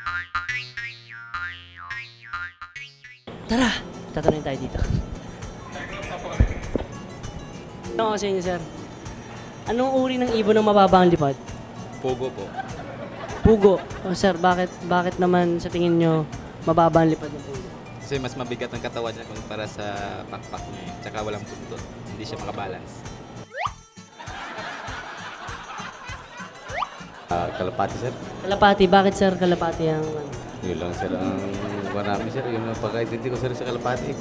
Tara! Tatanungin tayo dito. Ano sa inyo, sir? Anong uri ng ibon ng mababa ang lipad? Pugo po. Pugo. Oh, sir, bakit naman sa tingin nyo mababa ang lipad ng pugo? Kasi mas mabigat ang katawan niya kumpara sa pakpak niya. Tsaka walang buntot. Hindi siya makabalance. Kalapati, sir. Kalapati. Bakit, sir, kalapati ang... Yun lang, sir. Ang marami, sir. Yun ang pagkaintindi ko, sir, sa kalapati.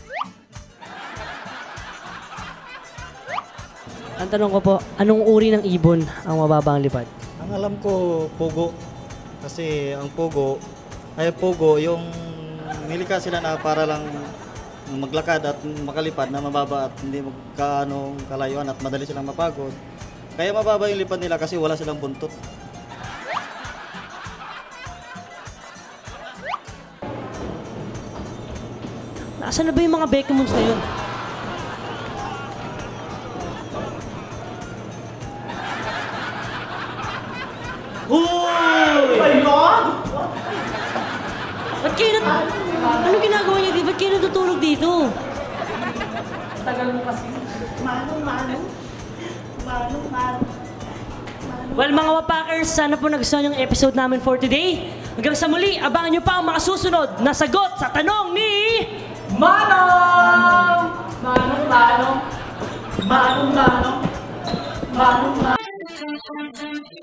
Ang tanong ko po, anong uri ng ibon ang mababa ang lipad? Ang alam ko, pugo. Kasi ang pugo, yung nilika sila na para lang maglakad at makalipad na mababa at hindi magkaanong kalayuan at madali silang mapagod. Kaya mababa yung lipad nila kasi wala silang buntot. Nasaan na ba yung mga Beckhamons na yun? Hoy! My God! Ba't kayo anong ginagawa niyo dito? Ba't kayo natutulog dito? Tagal mo kasi. Manong. Well, mga Wapakers, sana po nagustuhan yung episode namin for today. Hanggang sa muli, abangan nyo pa ang mga susunod na sagot sa tanong ni... Manong! Manong.